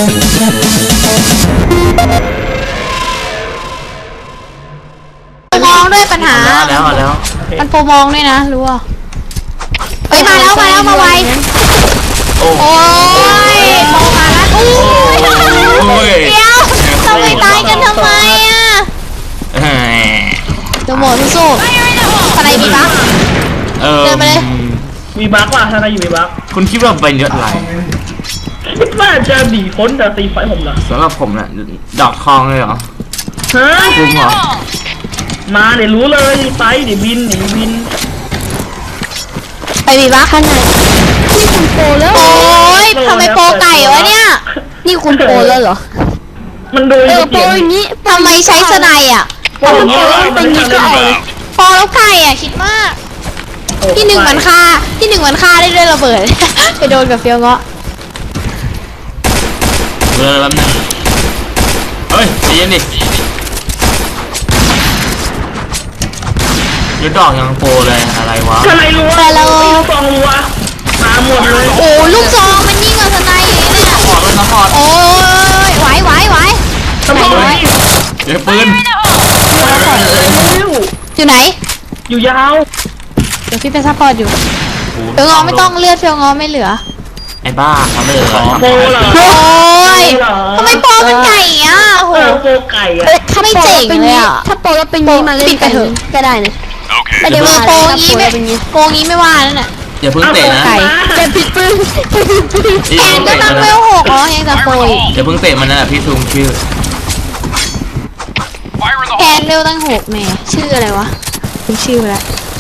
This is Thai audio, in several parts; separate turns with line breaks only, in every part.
มองด้วยปัญหา
แล้ว
มันโปรมองด้วยนะรู้อ่ะเฮ้ยมาแล้วมาไวโอ้ยโปรมาแล้วโอ้ยเดี๋ยวทำไมตายกันทำไมอ่ะจะหมดสู้ๆอะไรมีบั๊กเดินไปเลย
มีบั๊กว่ะถ้าใครอยู่มีบั๊ก
คุณคิดว่าเป็นเยอะไร
คิดว่าจะหนีพ้นจากตีไฟผมเหรอ
สำหรับผมน่ะดอกทองเลยเหรอ
ฮะ
คุณเหรอ
มาเดี๋ยวรู้เลยไปเดี๋ยวบิน
ไปมีบั๊กข้างในนี่คุณโปรแล้วโอ้ยทำไมโปรไก่วะเนี่ยนี่คุณโปรแล้วเหรอ
มันโดย
โปรอย่างนี้ทำไมใช้สไนอ่ะ
โปรอย่างนี้
เป็นนี้ก็โปรแล้วไก่อ่ะคิดมากที่หนึ่งมันฆ่าได้ด้วยระเบิดไปโดนกับเฟี้ยวเงาะ
แล้วนึงเฮ้ยใจเย็นดิยุดดอกยังโปรเลยอะไรวะ
อะไรรู้แต่เราฟองรัวมาหมดเลย
โอ้ลูกซองมันยิ่งกว่าสไนเนี่ย
ขอดเลยนะขอด
โอ้ยไหว
ทำไม
เดี๋ยวปืน
อยู่ไหน
อยู่ยาว
เดี๋ยวพี่เป็นซัพพอร์ตอยู่เฟี้ยวเงาะไม่ต้องเลือดเฟี้ยวเงาะไม่เหลือ
ไอ้บ้าเขาเลย
โปรเหรอ
โอ้ยทำไมโปรมันไก่อ่ะโห
โปรไก่อะ
ถ้าไม่เจ๋งเลยอ่ะ
ถ้าโปรแล้วเป็นงี้มาเล่นกันก็ได้นะ
แต่เดี๋ยวโปรงี้ไม่ว่านั่นน่ะ
อย่าเพิ่งเตะนะ
แต่ผิดปืน
แอนก็ตั้งเวล6อ๋อยังจะโปร
อย่าเพิ่งเตะมันนะพี่ซูมชื่อ
แอนเวลตั้ง6แม่ชื่ออะไรวะคุณชื่อแล้ว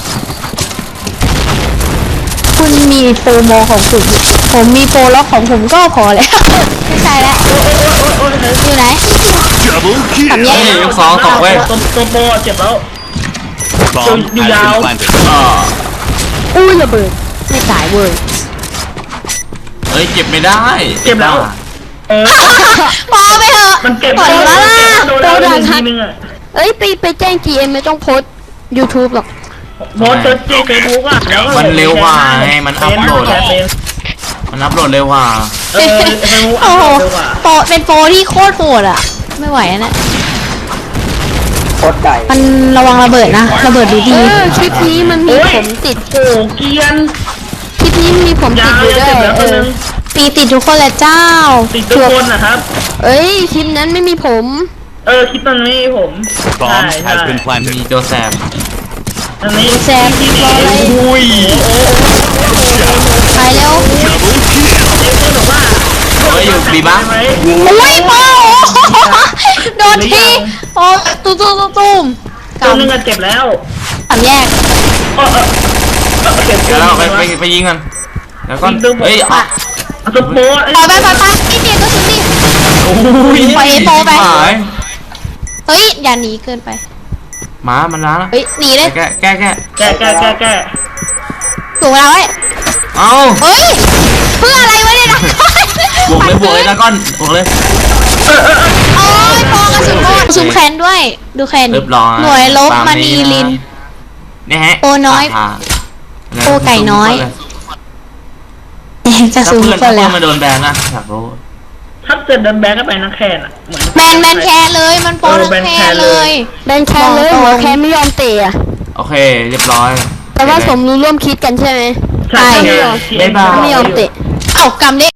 คุณมีโปรโมของคุณผมมีโปรล็อกของผมก็พอแล้วไม่ใช่แล้วอยู่ไหนทำแย่
ยกสองต่อเว้ย
ตัวโปรเจ็บแล้วอยู่ยาว
อุ้ยระเบิดไม่ตายเว้ย
เฮ้ยเก็บไม่ได้
เจ็บแล้ว
พอไปเถอะ
มันเก็บ
หมดแล้วล่ะ
โดนแล้วทีนึงอ่ะ
เอ้ยไปแจ้ง GM ไม่ต้องโพส YouTube หรอก
โพสเฟซบุ๊กอ่ะ
มันเร็วกว่าไงมันอัพโหลดเร็วกว่า
โอ้โหโปรเป็นโปรที่โคตรโหดอ่ะไม่ไหวนะ
โคตรไก่
มันระวังระเบิดนะระเบิดดี
คลิปนี้มันมีผมติด
โอ้เกียน
คลิปนี้มีผมติดอยู่ด้วย
ตีติดทุกคนแหละเจ้า
ติดทุกคนนะครับ
เอ้ยคลิปนั้นไม่มีผม
คลิปนั้นไม่มีผม
ใช่มีโจแซม
อันนี้
แซมอะไร
อุ้ย
ไปเร็ว
เฮ้ยอยู่ดีบ้าง
อุ้ยโป้โดนทีโอ้ตุ้ม
ตัวนึงเจ็บแล้ว
สามแยก
เจ็บ
แล้วไปยิงกันแล้วก็เฮ้ย
ตัวโป้
ไปไม่เจ็บก็สุดดิไปโป้ไปเฮ้ยอย่าหนีเกินไป
ม้ามันล้า
เฮ้ยหนีเลย
แก้
ถูกแล้วเว้ย
เอา
เฮ้ยเพื่ออะไรวะเนี่ยนะ
บวกเลยนะก้อนบวกเลย
โอ้ยโป้กระสุนโป้ซูมแคนด้วยดูแคนหน่วยลบมานีลิน
นี่ฮะ
โป้น้อยโป้ไก่น้อยจะซูมเพื่อนแล้ว
มาโดนแบนนะอยากรู้
ถ้าเกิดโดนแบนก็ไปนักแคนอ่ะ
แบนแคนเลยมันโป้นักแคนเลย
แบนแคนเลยหัวแคนไม่ยอมเตะ
โอเคเรียบร้อย
แต่ว่าสมรู้ร่วมคิดกันใช่ไหม
ใช่
ไม่ยอมเตะ
เอ้ากำเด็